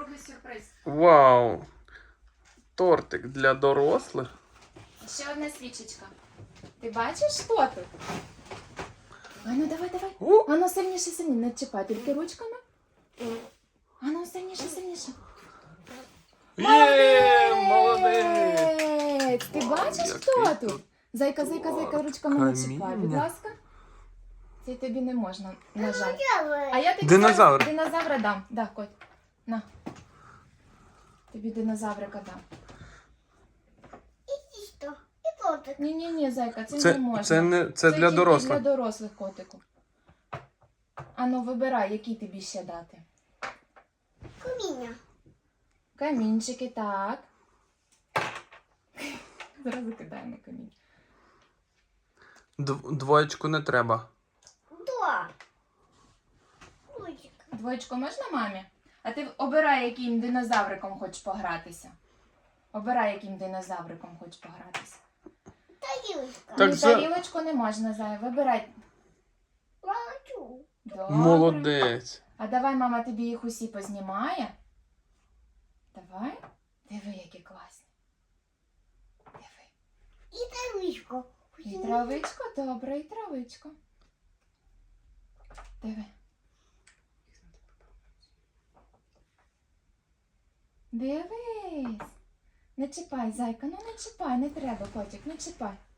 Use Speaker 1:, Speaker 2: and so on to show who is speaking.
Speaker 1: другий сюрприз.
Speaker 2: Вау! Тортик для дорослих.
Speaker 1: Ще одна свічечка. Ти бачиш, що тут? Ану, давай. Ану, сильніше. Не чіпай, тільки ручками. Ану, сильніше.
Speaker 2: Є, молодець!
Speaker 1: Ти бачиш,
Speaker 2: Який
Speaker 1: хто
Speaker 2: тут
Speaker 1: тут? Зайка, ручками не чіпай, будь
Speaker 2: каміння.
Speaker 1: ласка. Це тобі не можна, на жаль. А я тобі
Speaker 2: Динозавр.
Speaker 1: зараз динозавра дам. Да, Коть. На. Тобі динозаврика дам. Ні, зайка, це не можна.
Speaker 2: Це для
Speaker 1: тільки
Speaker 2: дорослих.
Speaker 1: для дорослих, котику. Ану, вибирай, які тобі ще дати. Камінчики, так. Зразу кидаємо камінь.
Speaker 2: Двоєчку не треба.
Speaker 1: Двоєчку можна мамі? А ти обирай, яким динозавриком хочеш погратися. Обирай, яким динозавриком хочеш погратися.
Speaker 2: Так
Speaker 1: Ні, тарілочку не можна, Зая. Вибирай. Добре.
Speaker 2: Молодець.
Speaker 1: А давай мама тобі їх усі познімає. Давай. Диви, які класні. Диви. І травичко, добре, і травичко. Диви. Дивись. Не чіпай, зайка, ну не чіпай, не треба, котик, не чіпай.